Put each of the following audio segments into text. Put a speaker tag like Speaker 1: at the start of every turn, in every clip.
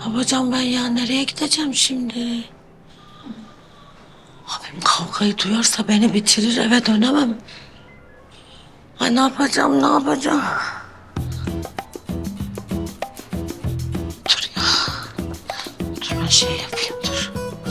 Speaker 1: yapacağım ben ya? Nereye gideceğim şimdi? Abim kavgayı duyarsa beni bitirir, eve dönemem. Ay ne yapacağım, ne yapacağım? Dur ya. Dur ben şey yapayım, dur.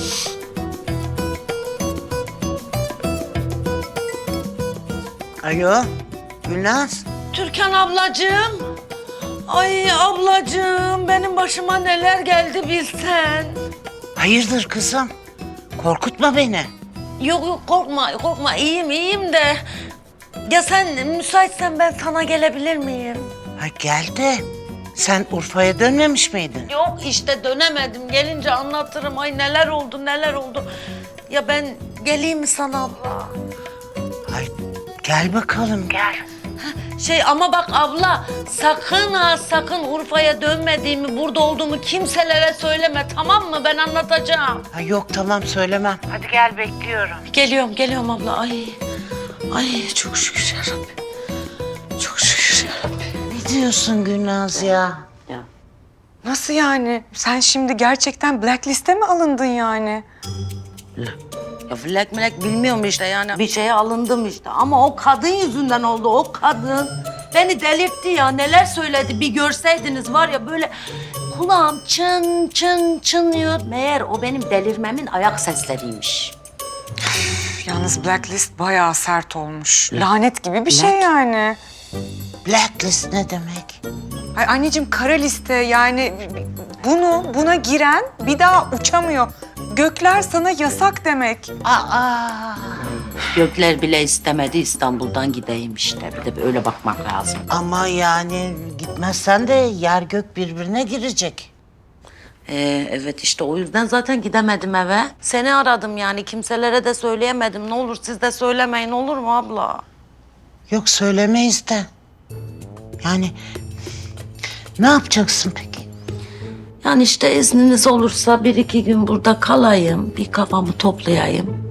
Speaker 2: Alo, Gülnaz.
Speaker 1: Türkan ablacığım. Ay ablacığım, benim başıma neler geldi bilsen.
Speaker 2: Hayırdır kızım? Korkutma beni.
Speaker 1: Yok yok korkma, korkma. İyiyim de. Ya sen müsaitsen ben sana gelebilir miyim?
Speaker 2: Ha gel de sen Urfa'ya dönmemiş miydin?
Speaker 1: Yok işte dönemedim. Gelince anlatırım. Ay neler oldu, neler oldu. Ya ben geleyim mi sana abla?
Speaker 2: Ay gel bakalım gel.
Speaker 1: Ama bak abla sakın ha sakın Urfa'ya dönmediğimi, burada olduğumu kimselere söyleme, tamam mı? Ben anlatacağım.
Speaker 2: Ha yok tamam söylemem. Hadi gel bekliyorum.
Speaker 1: Geliyorum abla. Ay çok şükür yarabbim. Çok şükür yarabbim.
Speaker 2: Ne diyorsun Gülnaz ya?
Speaker 3: Nasıl yani? Sen şimdi gerçekten blacklist'e mi alındın yani?
Speaker 1: Ya flek bilmiyorum işte yani. Bir şeye alındım işte ama o kadın yüzünden oldu, o kadın. Beni delirtti ya, neler söyledi bir görseydiniz var ya böyle kulağım çın çın çınlıyor. Meğer o benim delirmemin ayak sesleriymiş.
Speaker 3: Yalnız blacklist bayağı sert olmuş. Lanet gibi bir şey yani.
Speaker 2: Blacklist ne demek?
Speaker 3: Ay anneciğim kara liste yani buna giren bir daha uçamıyor. Gökler sana yasak demek.
Speaker 2: Aa,
Speaker 1: Gökler bile istemedi İstanbul'dan gideyim işte. Bir de böyle bakmak lazım.
Speaker 2: ama yani gitmezsen de yer gök birbirine girecek.
Speaker 1: Evet işte o yüzden zaten gidemedim eve. Seni aradım yani kimselere de söyleyemedim. Ne olur siz de söylemeyin, olur mu abla?
Speaker 2: Yok söylemeyiz de. Yani ne yapacaksın peki?
Speaker 1: Yani işte izniniz olursa bir iki gün burada kalayım. Bir kafamı toplayayım.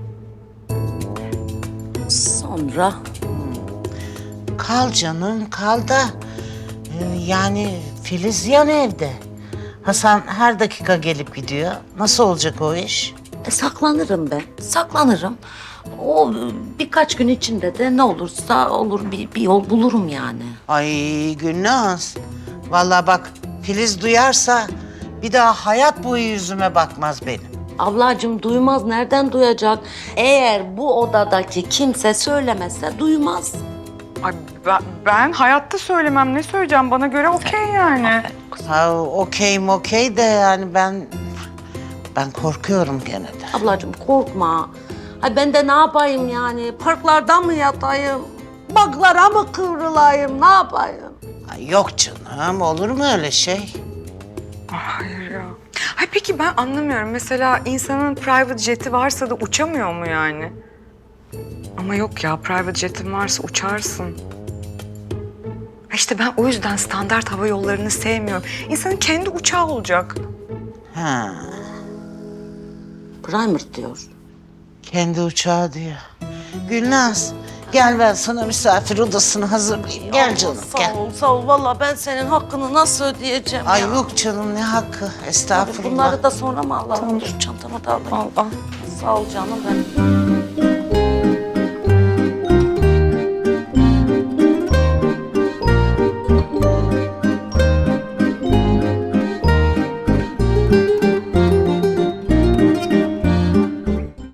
Speaker 1: Sonra
Speaker 2: Kal canım kal da yani Filiz yan evde. Hasan her dakika gelip gidiyor. Nasıl olacak o iş?
Speaker 1: saklanırım ben. Saklanırım. O birkaç gün içinde de ne olursa olur bir yol bulurum yani.
Speaker 2: Ay Gülnaz. Vallahi bak Filiz duyarsa bir daha hayat boyu yüzüme bakmaz benim.
Speaker 1: Ablacığım duymaz. Nereden duyacak? Eğer bu odadaki kimse söylemezse duymaz.
Speaker 3: Ay ben hayatta söylemem. Ne söyleyeceğim? Bana göre okey yani.
Speaker 2: Ha okey de yani ben korkuyorum gene de.
Speaker 1: Ablacığım korkma. Ay ben de ne yapayım yani? Parklarda mı yatayım? Baklara mı kıvrılayım? Ne yapayım?
Speaker 2: Ay yok canım olur mu öyle şey?
Speaker 3: Hayır ya. Ay peki ben anlamıyorum. Mesela insanın private jet'i varsa da uçamıyor mu yani? Ama yok ya, private jet'in varsa uçarsın. İşte ben o yüzden standart hava yollarını sevmiyorum. İnsanın kendi uçağı olacak.
Speaker 2: Ha
Speaker 1: Primer diyor.
Speaker 2: kendi uçağı diyor. Gülnaz gel ben sana misafir odasını hazırlayayım. Gel canım gel.
Speaker 1: Sağ ol. Vallahi ben senin hakkını nasıl ödeyeceğim
Speaker 2: Ay
Speaker 1: ya?
Speaker 2: yok canım ne hakkı
Speaker 1: Hadi
Speaker 2: estağfurullah.
Speaker 1: bunları da sonra mı alalım? Dur çantamı da alayım.
Speaker 3: Al.
Speaker 1: Sağ ol canım benim.